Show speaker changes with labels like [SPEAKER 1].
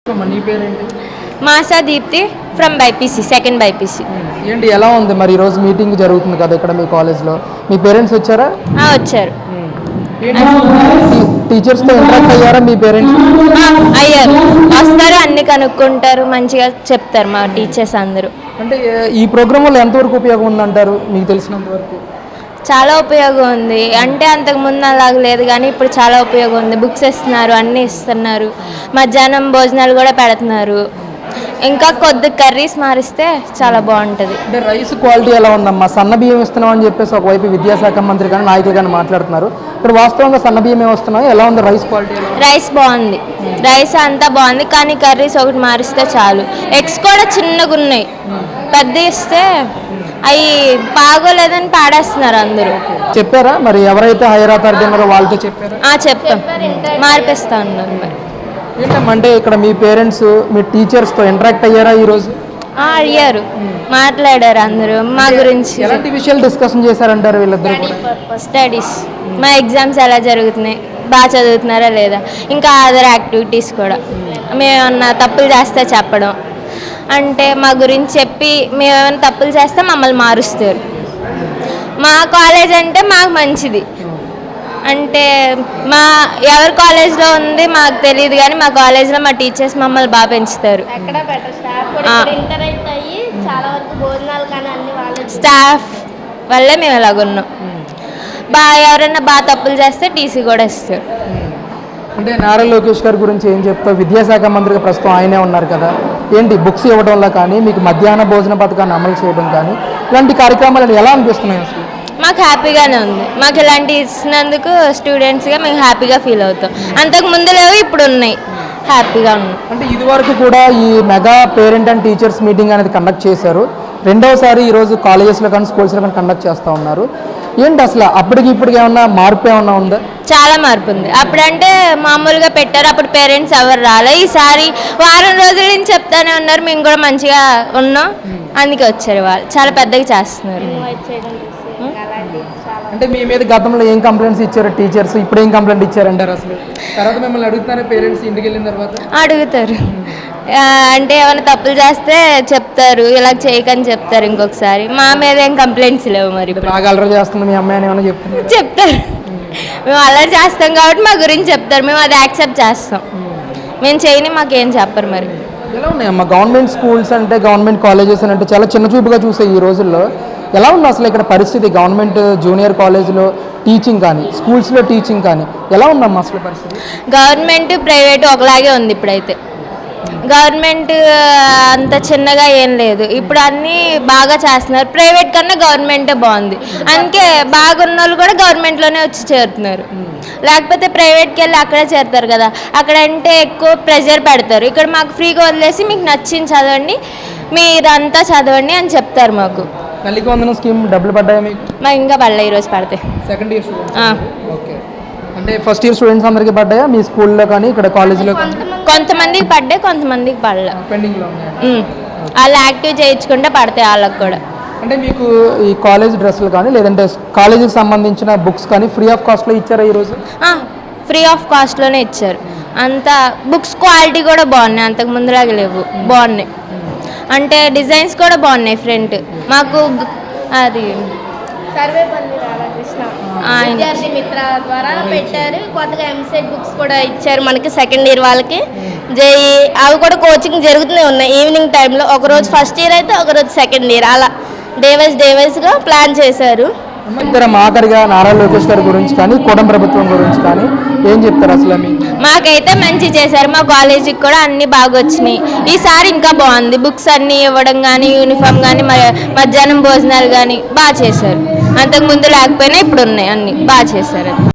[SPEAKER 1] నీ పేరేంటి?
[SPEAKER 2] మాసా Deepti from BiPC, second BiPC.
[SPEAKER 1] ఏంటి ఎలా ఉంది మరి ఈరోజు మీటింగ్ జరుగుతుంది కదా ఇక్కడ మీ కాలేజ్లో? మీ పేరెంట్స్ వచ్చారా?
[SPEAKER 2] వచ్చారు.
[SPEAKER 1] టీచర్స్తో ఇంటరాక్ట్ అయ్యారా మీ పేరెంట్స్?
[SPEAKER 2] అయ్యారు, వస్తారు, అన్ని కనుక్కుంటారు, మంచిగా చెప్తారు మా టీచర్స్ అందరూ.
[SPEAKER 1] అంటే ఈ ప్రోగ్రామ్ వల్ల ఎంతవరకు ఉపయోగం ఉందంటారు మీకు తెలిసినంత వరకు?
[SPEAKER 2] చాలా ఉపయోగం ఉంది. అంటే అంతకుముందు అలాగ లేదు కానీ ఇప్పుడు చాలా ఉపయోగం ఉంది. బుక్స్ ఇస్తున్నారు, అన్నీ ఇస్తున్నారు, మధ్యాహ్నం భోజనాలు కూడా పెడుతున్నారు. ఇంకా కొద్ది కర్రీస్ మారిస్తే చాలా బాగుంటుంది.
[SPEAKER 1] అంటే రైస్ క్వాలిటీ ఎలా ఉందమ్మా? సన్న బియ్యం ఇస్తున్నాం అని చెప్పేసి ఒకవైపు విద్యాశాఖ మంత్రి కానీ నాయకులు కానీ మాట్లాడుతున్నారు. ఇక్కడ వాస్తవంగా సన్న బియ్యం వస్తున్నాయి, ఎలా ఉంది రైస్ క్వాలిటీ?
[SPEAKER 2] రైస్ బాగుంది, రైస్ అంతా బాగుంది, కానీ కర్రీస్ ఒకటి మారిస్తే చాలు. ఎగ్స్ కూడా చిన్నగా ఉన్నాయి, పెద్ద ఇస్తే అవి బాగోలేదని పాడేస్తున్నారు అందరూ.
[SPEAKER 1] చెప్పారా మరి ఎవరైతే హైయర్ అథారిటీ ఉన్నారో వాళ్ళతో చెప్పారా?
[SPEAKER 2] చెప్తాం, మార్పిస్తా ఉన్నారు. మరి
[SPEAKER 1] ఏంటంటే ఇక్కడ మీ పేరెంట్స్ మీ టీచర్స్తో ఇంటరాక్ట్ అయ్యారా ఈరోజు?
[SPEAKER 2] అయ్యారు, మాట్లాడారు అందరూ మా గురించి.
[SPEAKER 1] ఎలాంటి విషయాలు డిస్కషన్ చేశారంటారు వీళ్ళిద్దరు?
[SPEAKER 2] స్టడీస్, మా ఎగ్జామ్స్ ఎలా జరుగుతున్నాయి, బాగా చదువుతున్నారా లేదా, ఇంకా అదర్ యాక్టివిటీస్ కూడా. మేమన్నా తప్పులు చేస్తే చెప్పడం, అంటే మా గురించి చెప్పి మేమేమైనా తప్పులు చేస్తే మమ్మల్ని మారుస్తారు. మా కాలేజ్ అంటే మాకు మంచిది. అంటే మా ఎవరి కాలేజ్లో ఉంది మాకు తెలియదు కానీ మా కాలేజ్లో మా టీచర్స్ మమ్మల్ని బాగా పెంచుతారు. స్టాఫ్ వల్లే మేము ఎలాగున్నాం. ఎవరైనా బాగా తప్పులు చేస్తే టీసీ కూడా ఇస్తారు.
[SPEAKER 1] అంటే నారా లోకేష్ గారి గురించి ఏం చెప్తావు? విద్యాశాఖ మంత్రిగా ప్రస్తుతం ఆయనే ఉన్నారు కదా, ఏంటి బుక్స్ ఇవ్వడంలో కానీ మీకు మధ్యాహ్న భోజన పథకాన్ని అమలు చేయడం కానీ ఇలాంటి కార్యక్రమాలు ఎలా అనిపిస్తున్నాయి అసలు?
[SPEAKER 2] మాకు హ్యాపీగానే ఉంది. మాకు ఇలాంటి ఇచ్చినందుకు స్టూడెంట్స్గా మేము హ్యాపీగా ఫీల్ అవుతాం. అంతకు ముందు లేవు, ఇప్పుడు ఉన్నాయి, హ్యాపీగా ఉన్నాం.
[SPEAKER 1] అంటే ఇదివరకు కూడా ఈ mega parent and teachers meeting అనేది కండక్ట్ చేశారు. రెండవసారి ఈరోజు కాలేజెస్లో కానీ స్కూల్స్లో కానీ కండక్ట్ చేస్తూ ఉన్నారు. ఏంటి అసలు అప్పటికి ఇప్పటికి ఏమన్నా మార్పు ఏమన్నా ఉందా?
[SPEAKER 2] చాలా మార్పు ఉంది. అప్పుడంటే మామూలుగా పెట్టారు, అప్పుడు పేరెంట్స్ ఎవరు రాలే. ఈసారి వారం రోజుల నుంచి చెప్తానే ఉన్నారు, మేము కూడా మంచిగా ఉన్నాం, అందుకే వచ్చారు వాళ్ళు. చాలా పెద్దగా చేస్తున్నారు.
[SPEAKER 1] అంటే మీ మీద గతంలో ఏం కంప్లైంట్స్ ఇచ్చారు టీచర్స్, ఇప్పుడు ఏం కంప్లైంట్ ఇచ్చారంటారు అసలు? తర్వాత మిమ్మల్ని అడుగుతారా పేరెంట్స్ ఇంటికి వెళ్ళిన తర్వాత?
[SPEAKER 2] అడుగుతారు, అంటే ఏమైనా తప్పులు చేస్తే చెప్తారు, ఇలా చేయకని చెప్తారు. ఇంకొకసారి మా మీద ఏం కంప్లైంట్స్ లేవు. మరి
[SPEAKER 1] బాగా అల్లరి చేస్తుంది మీ అమ్మాయి అని ఏమైనా
[SPEAKER 2] చెప్తారు. మేము అల్లరి చేస్తాం కాబట్టి మా గురించి చెప్తారు, మేము అది యాక్సెప్ట్ చేస్తాం. మేము చేయని మాకేం చెప్పరు. మరి
[SPEAKER 1] ఎలా ఉన్నాయమ్మా గవర్నమెంట్ స్కూల్స్ అంటే, గవర్నమెంట్ కాలేజెస్ అంటే చాలా చిన్న చూపుగా చూసే ఈ రోజుల్లో ఎలా ఉంది అసలు ఇక్కడ పరిస్థితి? గవర్నమెంట్ జూనియర్ కాలేజ్లో టీచింగ్ కానీ స్కూల్స్లో టీచింగ్ కానీ ఎలా ఉందమ్మా అసలు పరిస్థితి?
[SPEAKER 2] గవర్నమెంట్ ప్రైవేట్ ఒకలాగే ఉంది. ఇప్పుడైతే గవర్నమెంట్ అంత చిన్నగా ఏం లేదు, ఇప్పుడు అన్నీ బాగా చేస్తున్నారు. ప్రైవేట్ కన్నా గవర్నమెంటే బాగుంది, అందుకే బాగున్న వాళ్ళు కూడా గవర్నమెంట్లోనే వచ్చి చేరుతున్నారు. లేకపోతే ప్రైవేట్కి వెళ్ళి అక్కడే చేరుతారు కదా, అక్కడంటే ఎక్కువ ప్రెషర్ పెడతారు. ఇక్కడ మాకు ఫ్రీగా వదిలేసి మీకు నచ్చింది చదవండి, మీరంతా చదవండి అని చెప్తారు. మాకు
[SPEAKER 1] తల్లికి వందనం స్కీమ్ డబ్బులు పడ్డాయా మీకు?
[SPEAKER 2] మాకు ఇంకా పడలే, ఈరోజు పడతాయి.
[SPEAKER 1] Second year students? ఓకే. అంటే ఫస్ట్ ఇయర్ స్టూడెంట్స్ అందరికీ పడ్డాయా మీ స్కూల్లో కానీ ఇక్కడ కాలేజీలో?
[SPEAKER 2] కొంతమందికి పడ్డాయి, కొంతమందికి పడలే.
[SPEAKER 1] పెండింగ్లో ఉన్నాయి.
[SPEAKER 2] వాళ్ళు యాక్టివ్ చేయించుకుంటే పడతాయి వాళ్ళకి కూడా.
[SPEAKER 1] అంటే మీకు ఈ కాలేజ్ డ్రెస్సులు కానీ లేదంటే కాలేజీకి సంబంధించిన బుక్స్ కానీ ఫ్రీ ఆఫ్ కాస్ట్లో ఇచ్చారా ఈరోజు?
[SPEAKER 2] ఫ్రీ ఆఫ్ కాస్ట్లోనే ఇచ్చారు. అంతా బుక్స్ క్వాలిటీ కూడా బాగున్నాయి, అంతకు ముందులాగా లేవు, బాగున్నాయి. అంటే డిజైన్స్ కూడా బాగున్నాయి. ఫ్రంట్ మాకు అది
[SPEAKER 3] సర్వేపల్లి రాధాకృష్ణ విద్యార్థి మిత్ర ద్వారా పెట్టారు. కొత్తగా ఎంసెట్ బుక్స్ కూడా ఇచ్చారు మనకి సెకండ్ ఇయర్ వాళ్ళకి. జేఈ అవి కూడా కోచింగ్ జరుగుతూనే ఉన్నాయి ఈవినింగ్ టైంలో. ఒకరోజు ఫస్ట్ ఇయర్ అయితే ఒకరోజు సెకండ్ ఇయర్, అలా డేవైజ్గా ప్లాన్ చేశారు.
[SPEAKER 1] ఆఖరిగా నారా లోకేష్ గారి గురించి కానీ కూటమి ప్రభుత్వం గురించి కానీ ఏం చెప్తారు అసలు?
[SPEAKER 2] మాకైతే మంచి చేశారు, మా కాలేజీకి కూడా అన్నీ బాగా వచ్చినాయి. ఈసారి ఇంకా బాగుంది, బుక్స్ అన్నీ ఇవ్వడం కానీ యూనిఫామ్ కానీ మధ్యాహ్నం భోజనాలు కానీ బాగా చేశారు. అంతకుముందు లేకపోయినా ఇప్పుడు ఉన్నాయి, అన్నీ బాగా చేశారు.